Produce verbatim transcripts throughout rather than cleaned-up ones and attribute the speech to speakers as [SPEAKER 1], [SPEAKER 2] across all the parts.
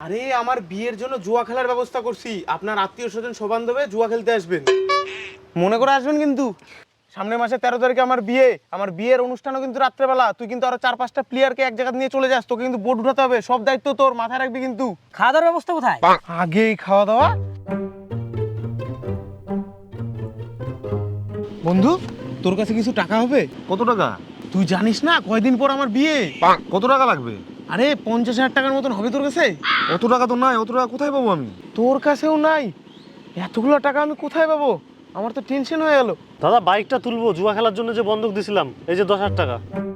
[SPEAKER 1] আরে আমার বিয়ের জন্য জুয়া খেলার ব্যবস্থা করছি, আপনার আত্মীয় স্বজন সব বান্ধবে জুয়া খেলতে আসবেন, মনে করে আসবেন কিন্তু। সামনের মাসে তেরো তারিখে আমার বিয়ে, আমার বিয়ের অনুষ্ঠানও কিন্তু রাত্রেবেলা। তুই কিন্তু আরো চার পাঁচটা প্লেয়ারকে এক জায়গা নিয়ে চলে যাস, তোকে কিন্তু বোর্ড উঠাতে হবে, সব দায়িত্ব তোর, মাথায় রাখবি কিন্তু।
[SPEAKER 2] খাওয়া দাওয়ার ব্যবস্থা কোথায়?
[SPEAKER 1] আগেই খাওয়া দাওয়া। বন্ধু, তোর কাছে কিছু টাকা হবে?
[SPEAKER 3] কত টাকা?
[SPEAKER 1] তুই জানিস না কয়দিন পর আমার বিয়ে।
[SPEAKER 3] কত টাকা লাগবে?
[SPEAKER 1] আরে পঞ্চাশ হাজার টাকার মতন হবে তোর কাছে।
[SPEAKER 3] অত টাকা তো নাই, অত টাকা কোথায় পাবো আমি?
[SPEAKER 1] তোর কাছেও নাই? এতগুলো টাকা আমি কোথায় পাবো? আমার তো টেনশন হয়ে গেল।
[SPEAKER 4] দাদা বাইকটা তুলবো, জুয়া খেলার জন্য যে বন্ধক দিছিলাম, এই যে দশ হাজার টাকা।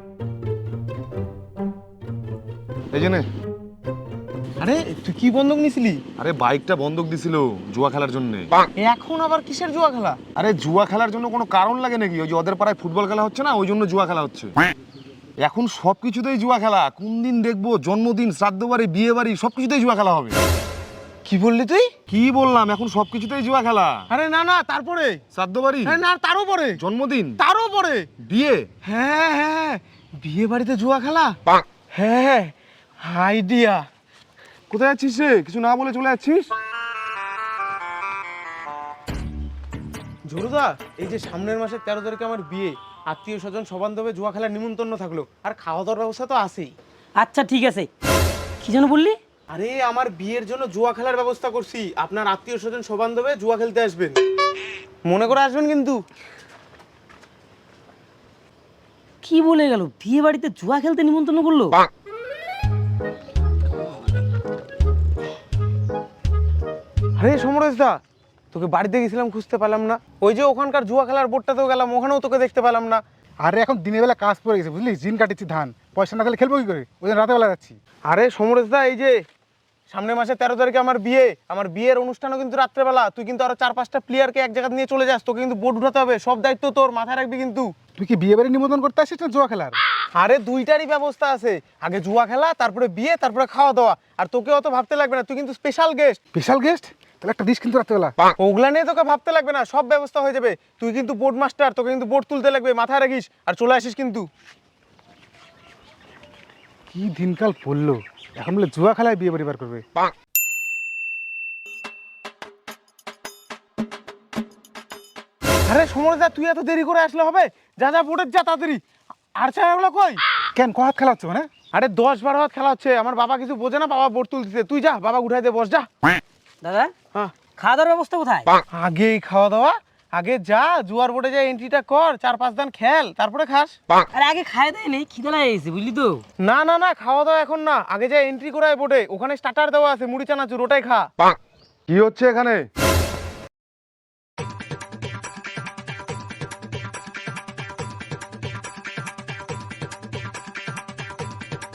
[SPEAKER 3] এই যে নে।
[SPEAKER 1] আরে তুই কি বন্ধক নিছিলি?
[SPEAKER 3] আরে বাইকটা বন্ধক দিছিল জুয়া খেলার জন্য।
[SPEAKER 1] এখন আবার কিসের জুয়া খেলা?
[SPEAKER 3] আরে জুয়া খেলার জন্য কোনো কারণ লাগে নাকি? ওই যে ওদের পাড়ায় ফুটবল খেলা হচ্ছে না, ওই জন্য জুয়া খেলা হচ্ছে। এখন সব কিছুতেই জুয়া খেলা। কোন দিন দেখবো জন্মদিন, শ্রাদ্ধ বাড়ি, বিয়ে বাড়ি, সব কিছুতেই জুয়া খেলা হবে।
[SPEAKER 1] কি বললি তুই?
[SPEAKER 3] কি বললাম, এখন সব কিছুতেই জুয়া খেলা।
[SPEAKER 1] আরে না না, তারপরে
[SPEAKER 3] শ্রাদ্ধ বাড়ি,
[SPEAKER 1] আরে না তারও পরে,
[SPEAKER 3] জন্মদিন,
[SPEAKER 1] তারও পরে
[SPEAKER 3] বিয়ে।
[SPEAKER 1] হ্যাঁ হ্যাঁ, বিয়ে বাড়িতে জুয়া খেলা। হ্যাঁ, আইডিয়া।
[SPEAKER 3] কোথায় যাচ্ছিস রে? কিছু না বলে চলে যাচ্ছিস?
[SPEAKER 1] ঝরুদা, এই যে সামনের মাসের তেরো তারিখে আমার বিয়ে, আত্মীয় স্বজন সবান্ধবে জুয়া খেলার নিমন্ত্রণ থাকলো, আর খাওয়া দাওয়ার ব্যবস্থা তো আছেই।
[SPEAKER 2] আচ্ছা ঠিক আছে, কি যেন বললি?
[SPEAKER 1] আরে আমার বিয়ের জন্য জুয়া খেলার ব্যবস্থা করছি, আপনার আত্মীয় স্বজন সবান্ধবে জুয়া খেলতে আসবেন, মনে করে আসবেন কিন্তু।
[SPEAKER 2] কি বলে গেল? বিয়ে বাড়িতে জুয়া খেলতে নিমন্ত্রণ করলো?
[SPEAKER 1] আরে সমরেশ দা, তোকে বাড়িতে গেছিলাম, খুঁজতে পেলাম না। ওই যে ওখানকার জুয়া খেলার বোর্ডটাতেও গেলাম, ওখানেও তোকে দেখতে পেলাম না।
[SPEAKER 5] আরে এখন দিনের বেলা কাজ পড়ে গেছে বুঝলি, জিন কাটিছি ধান, পয়সা না খেলে খেলবো কি করে, ওই জন্য রাতে বেলা যাচ্ছি।
[SPEAKER 1] আরে সমরেশ দা, এই যে সামনের মাসে তেরো তারিখে আমার বিয়ে, আমার বিয়ের অনুষ্ঠানও কিন্তু রাত্রেবেলা। তুই কিন্তু আরো চার পাঁচটা প্লেয়ারকে এক জায়গা নিয়ে চলে যাস, তোকে কিন্তু বোর্ড উঠাতে হবে, সব দায়িত্ব তোর, মাথায় রাখবি কিন্তু।
[SPEAKER 5] তুই কি বিয়ে বাড়ি নিমন্ত্রণ করতে আসিস না জুয়া খেলার?
[SPEAKER 1] আরে দুইটারই ব্যবস্থা আছে, আগে জুয়া খেলা, তারপরে বিয়ে, তারপরে খাওয়া দাওয়া। আর তোকে অত ভাবতে লাগবে না, তুই কিন্তু স্পেশাল গেস্ট।
[SPEAKER 5] Special guest? তাহলে একটা দিস কিন্তু রাত্রেবেলা।
[SPEAKER 1] ওগুলা নিয়ে তোকে ভাবতে লাগবে না, সব ব্যবস্থা হয়ে যাবে। তুই কিন্তু বোর্ড মাস্টার, তোকে কিন্তু বোর্ড তুলতে লাগবে, মাথায় রাখিস, আর চলে আসিস কিন্তু।
[SPEAKER 5] কি দিনকাল পড়লো, এখন বলে জুয়া খেলায় বিয়ে বাড়ি বার করবে।
[SPEAKER 1] আরে সমরেশ দা, তুই এত দেরি করে আসলে হবে? যা যা বোর্ডের যা তাড়াতাড়ি। আর ছায়াগুলো কই?
[SPEAKER 5] কেন ক হাত খেলা হচ্ছে মানে?
[SPEAKER 1] আরে দশ বারো হাত খেলা হচ্ছে, আমার বাবা কিছু বোঝে না, বাবা বোর্ড তুলতেছে। তুই যা, বাবা উঠাই দে, বস যা।
[SPEAKER 2] দাদা
[SPEAKER 1] হ্যাঁ,
[SPEAKER 2] খাওয়া দাওয়ার ব্যবস্থা কোথায়?
[SPEAKER 1] আগেই খাওয়া দাওয়া। আগে যা জুয়ার বোর্ডে যা এন্ট্রিটা কর, চার পাঁচ দান খেল, তারপরে খাস।
[SPEAKER 2] আরে আগে খাই দেয় নেই, খিদে লাগে গেছে বুঝলি তো।
[SPEAKER 1] না না না, খাওয়া দাওয়া এখন না, আগে যা এন্ট্রি করায় বোর্ডে, ওখানে স্টার্টার দেওয়া আছে, মুড়ি চানাচুর, ওটাই খা।
[SPEAKER 3] কি হচ্ছে এখানে?